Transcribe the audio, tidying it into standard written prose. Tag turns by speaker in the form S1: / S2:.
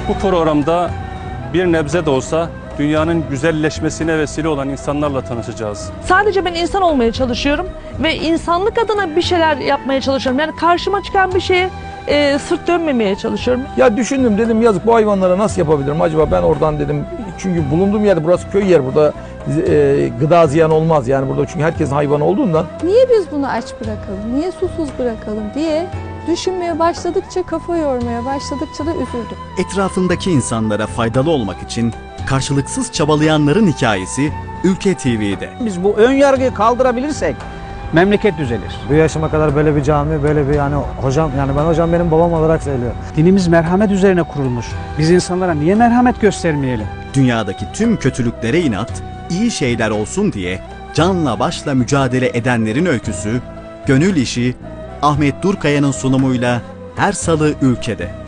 S1: Bu programda bir nebze de olsa dünyanın güzelleşmesine vesile olan insanlarla tanışacağız.
S2: Sadece ben insan olmaya çalışıyorum ve insanlık adına bir şeyler yapmaya çalışıyorum. Yani karşıma çıkan bir şeye sırt dönmemeye çalışıyorum.
S3: Ya düşündüm, dedim yazık, bu hayvanlara nasıl yapabilirim acaba ben oradan, dedim. Çünkü bulunduğum yerde, burası köy yer, burada gıda ziyan olmaz yani burada, çünkü herkesin hayvanı olduğundan.
S4: Niye biz bunu aç bırakalım, niye susuz bırakalım diye düşünmeye başladıkça, kafa yormaya başladıkça da üzüldüm.
S5: Etrafındaki insanlara faydalı olmak için karşılıksız çabalayanların hikayesi Ülke TV'de.
S6: Biz bu ön yargıyı kaldırabilirsek memleket düzelir.
S7: Bu yaşıma kadar böyle bir cami, böyle bir yani hocam, yani ben hocam benim babam olarak söylüyor.
S6: Dinimiz merhamet üzerine kurulmuş. Biz insanlara niye merhamet göstermeyelim?
S5: Dünyadaki tüm kötülüklere inat, iyi şeyler olsun diye canla başla mücadele edenlerin öyküsü, Gönül İşi, Ahmet Durkaya'nın sunumuyla her salı Ülke'de.